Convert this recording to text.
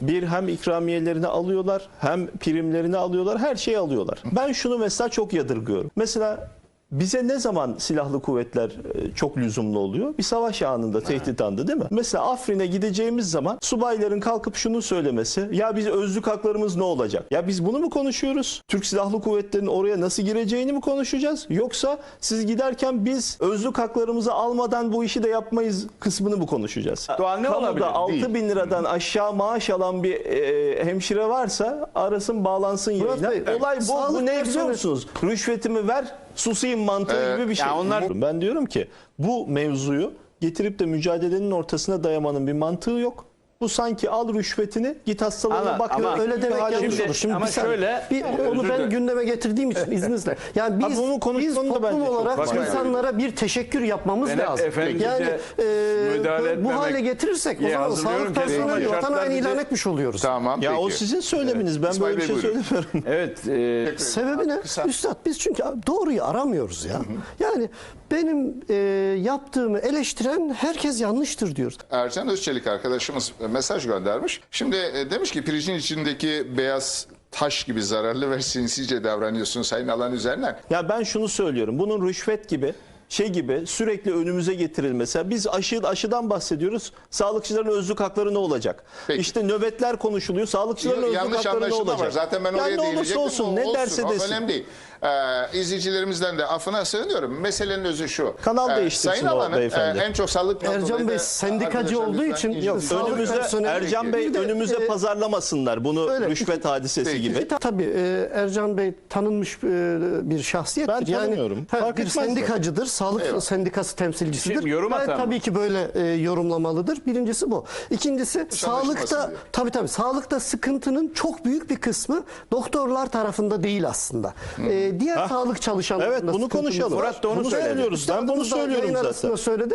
Bir, hem ikramiyelerini alıyorlar, hem primlerini alıyorlar, her şeyi alıyorlar. Ben şunu mesela çok yadırgıyorum. Mesela bize ne zaman silahlı kuvvetler çok lüzumlu oluyor? Bir savaş anında, tehdit anında, değil mi? Mesela Afrin'e gideceğimiz zaman subayların kalkıp şunu söylemesi, ya biz özlük haklarımız ne olacak? Ya biz bunu mu konuşuyoruz? Türk Silahlı Kuvvetleri'nin oraya nasıl gireceğini mi konuşacağız? Yoksa siz giderken biz özlük haklarımızı almadan bu işi de yapmayız kısmını mı konuşacağız? Doğal ne olabilir? Kamuda 6 Değil. bin liradan aşağı maaş alan bir hemşire varsa arasın, bağlansın Murat yayına. Bey, Olay bu. sağlık Bu ne biliyor personeli- musunuz? Rüşvetimi ver, susayım mantığı gibi bir şey. yani onlar- Ben diyorum ki bu mevzuyu getirip de mücadelenin ortasına dayamanın bir mantığı yok. Bu sanki al rüşvetini, git hastalığına Ama- bak. ama Öyle demek hale yanlış getir. olur. Şimdi ama bir saniye. şöyle, onu özür ben dilerim. gündeme getirdiğim için izninizle. Yani Ha, bunu biz konuşmanın da toplum bence çok olarak var. insanlara bir teşekkür yapmamız Ben lazım. efendice Yani müdahale bu etmemek hale getirirsek o diye zaman hazırlıyorum sağlık ki personeli ama vatan şartlar haini ilan bizi- etmiş oluyoruz. Tamam, Ya peki. o sizin söyleminiz. Ben İsmail böyle bir Bey, şey buyurun. söylemiyorum. Evet. Sebebi ne? Kısa. Üstad biz çünkü doğruyu aramıyoruz ya. Yani benim yaptığımı eleştiren herkes yanlıştır diyoruz. Ercan Özçelik arkadaşımız mesaj göndermiş. Şimdi demiş ki pirincin içindeki beyaz taş gibi zararlı ve sinsice davranıyorsun Sayın Alan üzerinden. Ya ben şunu söylüyorum. Bunun rüşvet gibi, şey gibi sürekli önümüze getirilmesi. Biz aşıdan bahsediyoruz. Sağlıkçıların özlük hakları ne olacak? Peki. İşte nöbetler konuşuluyor. Sağlıkçıların özlük Yanlış hakları ne anlaşılma olacak? var. Zaten ben Ya oraya ne olursa değinecektim. olsun, ne derse o desin. önemli değil. İzleyicilerimizden de affına sığınıyorum. Meselenin özü şu. Kanal değiştirsin Sayın o Alan'ın beyefendi. en çok sağlık Ercan Bey sendikacı olduğu için yok. sağlık Önümüze personeli- Ercan Bey Bir de, önümüze pazarlamasınlar bunu öyle. rüşvet hadisesi Peki. gibi. Tabii Ercan Bey tanınmış bir şahsiyettir. Ben tanımıyorum. Fark bir etmez de. sendikacıdır, sağlık sendikası temsilcisidir. Şimdi yorum Gayet atan mı? tabii ki böyle yorumlamalıdır. Birincisi bu. İkincisi anlaşılmasın sağlıkta diye. tabii sağlıkta sıkıntının çok büyük bir kısmı doktorlar tarafında değil aslında. Diğer sağlık çalışanlarında Evet, bunu sıkıntımız konuşalım. var. Murat da onu Bunu söyledi. söylüyoruz. Ben bunu Üstadımız da söylüyorum yayın zaten. arasında söyledi.